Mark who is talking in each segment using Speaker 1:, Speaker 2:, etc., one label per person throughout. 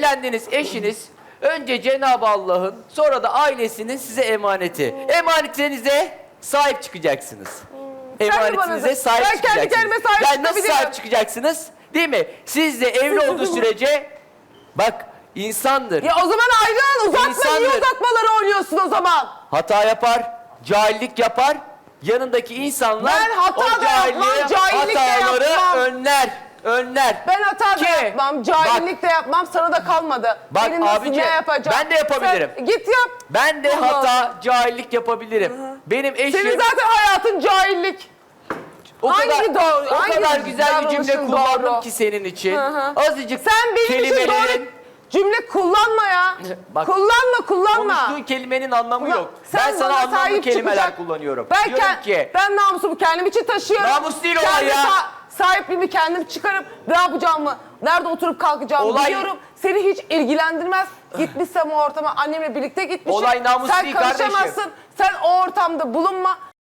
Speaker 1: Evlendiğiniz eşiniz önce Cenab-ı Allah'ın sonra da ailesinin size emaneti. Emanetinize sahip çıkacaksınız. Emanetinize sahip
Speaker 2: Ben kendi
Speaker 1: çıkacaksınız.
Speaker 2: kendime sahip
Speaker 1: Yani nasıl
Speaker 2: çıkabilirim.
Speaker 1: sahip çıkacaksınız? Değil mi? Siz de evli olduğu sürece bak insandır.
Speaker 2: Ya o zaman ayrıl, uzatma.
Speaker 1: İnsandır.
Speaker 2: Niye uzatmaları oynuyorsun o zaman?
Speaker 1: Hata yapar, cahillik yapar. Yanındaki insanlar
Speaker 2: Ben hata
Speaker 1: o
Speaker 2: da yapmam, cahillik de
Speaker 1: hataları
Speaker 2: yapmam.
Speaker 1: önler.
Speaker 2: Ben hata da yapmam, cahillik de yapmam, sana da kalmadı.
Speaker 1: Bak
Speaker 2: Benim nasıl
Speaker 1: abici,
Speaker 2: ne yapacağım?
Speaker 1: ben de yapabilirim.
Speaker 2: Sen git yap.
Speaker 1: Ben de
Speaker 2: Allah
Speaker 1: hata, cahillik yapabilirim. Benim eşim
Speaker 2: Senin zaten hayatın cahillik.
Speaker 1: o
Speaker 2: hangi
Speaker 1: kadar,
Speaker 2: doğru,
Speaker 1: o
Speaker 2: hangi
Speaker 1: kadar güzel bir cümle
Speaker 2: davranışın
Speaker 1: kullandım
Speaker 2: doğru?
Speaker 1: ki senin için.
Speaker 2: Hı.
Speaker 1: Azıcık
Speaker 2: Sen benim için doğru cümle kullanma ya.
Speaker 1: Bak,
Speaker 2: kullanma.
Speaker 1: konuştuğun kelimenin anlamı yok.
Speaker 2: Sen
Speaker 1: Ben sana
Speaker 2: bana
Speaker 1: anlamlı
Speaker 2: sahip
Speaker 1: kelimeler
Speaker 2: çıkacak.
Speaker 1: kullanıyorum.
Speaker 2: Ben,
Speaker 1: Diyorum ki
Speaker 2: ben namusumu kendim için taşıyorum.
Speaker 1: Namus değil olay ya.
Speaker 2: Sahipliğimi kendim çıkarıp ne yapacağımı, nerede oturup kalkacağımı
Speaker 1: Olay-
Speaker 2: biliyorum. Seni hiç ilgilendirmez. Gitmişsem o ortama annemle birlikte gitmişim.
Speaker 1: Olay namus
Speaker 2: sen
Speaker 1: değil
Speaker 2: karışamazsın.
Speaker 1: kardeşim.
Speaker 2: Sen o ortamda bulunma.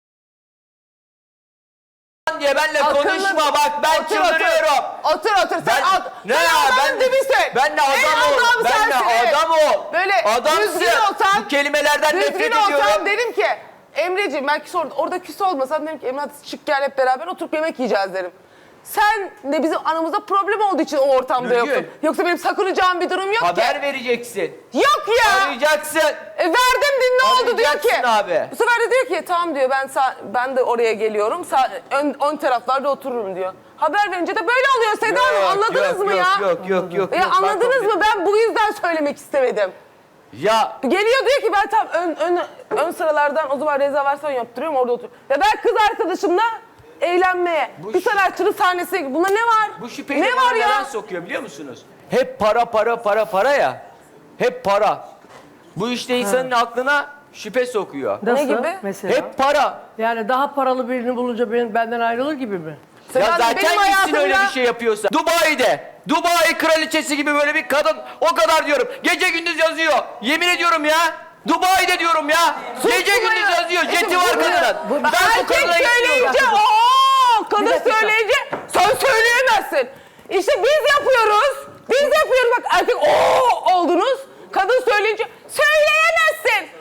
Speaker 1: diye benle konuşma bak ben çıldırıyorum.
Speaker 2: Otur. Sen
Speaker 1: Ne ya ben
Speaker 2: dibisin.
Speaker 1: Ben de adam ol. Ben de adam ol.
Speaker 2: Böyle
Speaker 1: adamsın.
Speaker 2: düzgün olsan.
Speaker 1: Bu kelimelerden nefret
Speaker 2: Düzgün
Speaker 1: ediyorum.
Speaker 2: olsam derim ki Emreciğim belki orada küs olmasam derim ki Emre hadi çık gel hep beraber oturup yemek yiyeceğiz derim. Sen de bizim aramızda problem olduğu için o ortamda
Speaker 1: Nurgül.
Speaker 2: yoktun. Yoksa benim sakınacağım bir durum yok
Speaker 1: Haber
Speaker 2: ki.
Speaker 1: vereceksin.
Speaker 2: Yok ya.
Speaker 1: Arayacaksın.
Speaker 2: Verdim din ne oldu diyor
Speaker 1: Arayacaksın
Speaker 2: ki.
Speaker 1: abi.
Speaker 2: Bu sefer de diyor ki tamam diyor ben de oraya geliyorum. Ön taraflarda otururum diyor. Haber verince de böyle oluyor Seda Hanım anladınız mı ya?
Speaker 1: Yok.
Speaker 2: Ya anladınız mı? Ben bu yüzden söylemek istemedim.
Speaker 1: Ya
Speaker 2: Geliyor diyor ki ben tam ön sıralardan o zaman rezervasyon yaptırıyorum orada oturuyorum. Ya ben kız arkadaşımla eğlenmeye, bir sanatçının sahnesine buna ne var?
Speaker 1: bu şüpheyi
Speaker 2: ne
Speaker 1: de
Speaker 2: var
Speaker 1: bana
Speaker 2: ya?
Speaker 1: neden sokuyor biliyor musunuz? Hep para ya. Hep para. Bu işte insanın aklına şüphe sokuyor.
Speaker 3: Nasıl?
Speaker 2: gibi?
Speaker 3: Mesela?
Speaker 1: Hep para.
Speaker 3: Yani daha paralı birini bulunca benden ayrılır gibi mi?
Speaker 1: Ya
Speaker 2: Sen
Speaker 1: zaten
Speaker 2: benim
Speaker 1: gitsin öyle
Speaker 2: hayatımda-
Speaker 1: bir şey yapıyorsa. Dubai kraliçesi gibi böyle bir kadın o kadar diyorum. Gece gündüz yazıyor. Yemin ediyorum ya. Dubai'de diyorum ya. Gece gündüz yazıyor. Jeti var kadının. Ben bu
Speaker 2: Erkek
Speaker 1: kadına
Speaker 2: söyleyince
Speaker 1: gitmiyorum.
Speaker 2: kadın söyleyince sen söyleyemezsin. İşte biz yapıyoruz. Bak erkek oldunuz. Kadın söyleyince söyleyemezsin.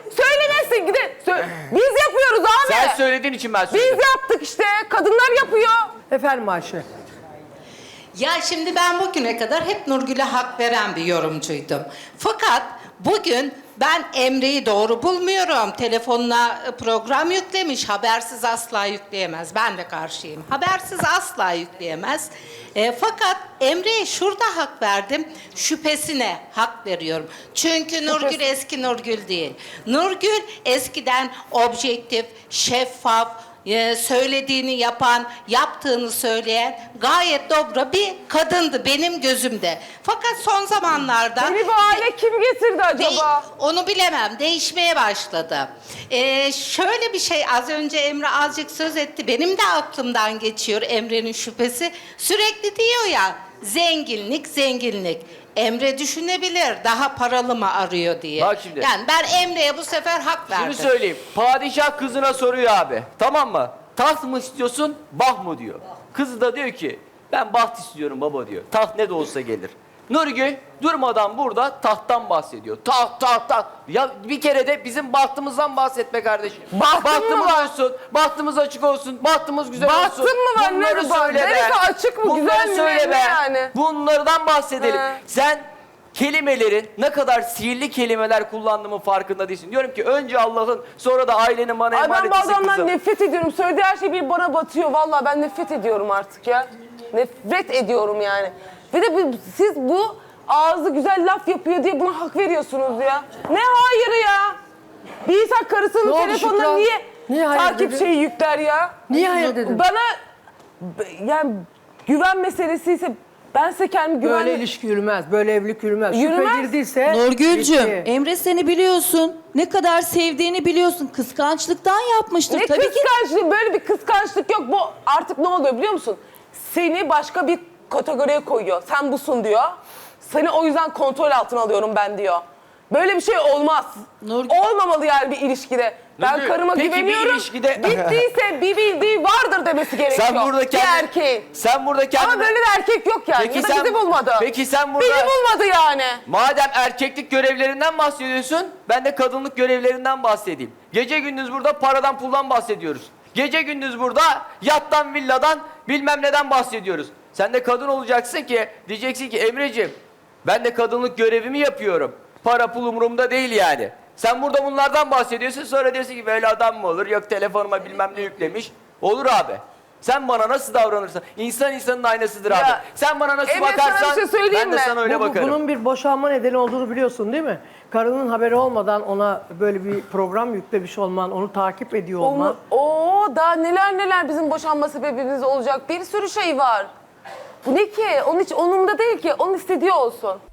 Speaker 2: Biz yapıyoruz abi.
Speaker 1: Sen söylediğin için ben
Speaker 2: Biz
Speaker 1: söyledim.
Speaker 2: yaptık işte. Kadınlar yapıyor.
Speaker 3: Efendim Ayşe.
Speaker 4: Ya şimdi ben bugüne kadar hep Nurgül'e hak veren bir yorumcuydum. Fakat bugün ben Emre'yi doğru bulmuyorum. Telefonuna program yüklemiş, habersiz asla yükleyemez. Ben de karşıyım. Habersiz asla yükleyemez. Fakat Emre'ye şurada hak verdim, şüphesine hak veriyorum. Çünkü Nurgül eski Nurgül değil. Nurgül eskiden objektif, şeffaf, söylediğini yapan, yaptığını söyleyen gayet dobra bir kadındı benim gözümde. Fakat son zamanlarda...
Speaker 2: Beni bu hale kim getirdi acaba?
Speaker 4: Onu bilemem. Değişmeye başladı. Şöyle bir şey az önce Emre azıcık söz etti. Benim de aklımdan geçiyor Emre'nin şüphesi. Sürekli diyor ya zenginlik. Emre düşünebilir daha paralı mı arıyor diye.
Speaker 1: Bak şimdi.
Speaker 4: Yani ben Emre'ye bu sefer hak verdim.
Speaker 1: Şunu söyleyeyim. Padişah kızına soruyor abi. Tamam mı? Taht mı istiyorsun, baht mı diyor. Kız da diyor ki ben baht istiyorum baba diyor. Taht ne de olsa gelir. Nurgül durmadan burada tahttan bahsediyor. Taht. Ya bir kere de bizim bahtımızdan bahsetme kardeşim.
Speaker 2: Bahtım mı var?
Speaker 1: olsun, bahtımız açık olsun, bahtımız güzel olsun.
Speaker 2: Bahtım mı var?
Speaker 1: Bunları
Speaker 2: Ne var?
Speaker 1: söyle be.
Speaker 2: Neresi açık mı, güzel mi,
Speaker 1: söyle
Speaker 2: ne
Speaker 1: be.
Speaker 2: yani?
Speaker 1: Bunlardan bahsedelim.
Speaker 2: He.
Speaker 1: Sen kelimelerin ne kadar sihirli kelimeler kullandığımın farkında değilsin. Diyorum ki önce Allah'ın sonra da ailenin bana
Speaker 2: Ay ben bu
Speaker 1: emanetisi
Speaker 2: adamdan
Speaker 1: kızım.
Speaker 2: nefret ediyorum. Söylediği her şey bir bana batıyor. Vallahi ben nefret ediyorum artık ya. Nefret ediyorum yani. Ve de siz bu ağzı güzel laf yapıyor diye buna hak veriyorsunuz ya. Ne hayırı ya? Bir insan karısının
Speaker 3: Ne oldu
Speaker 2: telefonuna
Speaker 3: Şükran?
Speaker 2: niye
Speaker 3: hayır
Speaker 2: takip
Speaker 3: dedin?
Speaker 2: şeyi yükler ya?
Speaker 3: Niye hayır dedin?
Speaker 2: Bana yani güven meselesi ise ben size kendimi güven...
Speaker 3: Böyle ilişki yürümez, böyle evlilik yürümez.
Speaker 2: Yürümez.
Speaker 3: Şüphe girdiyse...
Speaker 5: Nurgül'cüm,
Speaker 3: bitti.
Speaker 5: Emre seni biliyorsun. Ne kadar sevdiğini biliyorsun. Kıskançlıktan yapmıştır.
Speaker 2: Ne
Speaker 5: Tabii ki
Speaker 2: kıskançlık? Böyle bir kıskançlık yok. Bu artık ne oluyor biliyor musun? Seni başka bir kategoriye koyuyor. Sen busun diyor. Seni o yüzden kontrol altına alıyorum ben diyor. Böyle bir şey olmaz.
Speaker 5: Nurgül-
Speaker 2: Olmamalı yani bir ilişkide. Ben
Speaker 1: Nurgül,
Speaker 2: karıma
Speaker 1: peki bir
Speaker 2: güveniyorum.
Speaker 1: ilişkide-
Speaker 2: Gittiyse bir bildiği vardır demesi gerekiyor.
Speaker 1: Sen burada
Speaker 2: Bir
Speaker 1: kendini...
Speaker 2: erkeğin.
Speaker 1: Sen burada kendini...
Speaker 2: Ama böyle bir erkek yok yani.
Speaker 1: Peki
Speaker 2: Ya da
Speaker 1: sen-
Speaker 2: bizi bulmadı.
Speaker 1: peki sen burada-
Speaker 2: Bizi bulmadı yani.
Speaker 1: Madem erkeklik görevlerinden bahsediyorsun, ben de kadınlık görevlerinden bahsedeyim. Gece gündüz burada paradan puldan bahsediyoruz. Gece gündüz burada yattan villadan bilmem neden bahsediyoruz. Sen de kadın olacaksın ki diyeceksin ki Emreciğim ben de kadınlık görevimi yapıyorum. Para pul umurumda değil yani. Sen burada bunlardan bahsediyorsun sonra diyorsun ki böyle adam mı olur? Yok telefonuma bilmem ne yüklemiş. Olur abi. Sen bana nasıl davranırsan, insan insanın aynasıdır abi.
Speaker 2: Ya,
Speaker 1: Sen bana nasıl
Speaker 2: Emre, sana
Speaker 1: bakarsan
Speaker 2: bir şey söyleyeyim
Speaker 1: ben de
Speaker 2: mi?
Speaker 1: sana öyle bakarım.
Speaker 3: Bunun bir boşanma nedeni olduğunu biliyorsun değil mi? Karının haberi olmadan ona böyle bir program yüklemiş olman, onu takip ediyor olman.
Speaker 2: Daha neler bizim boşanma sebebimiz olacak. Bir sürü şey var. Bu ne ki? Onun hiç onumda değil ki. Onun istediği olsun.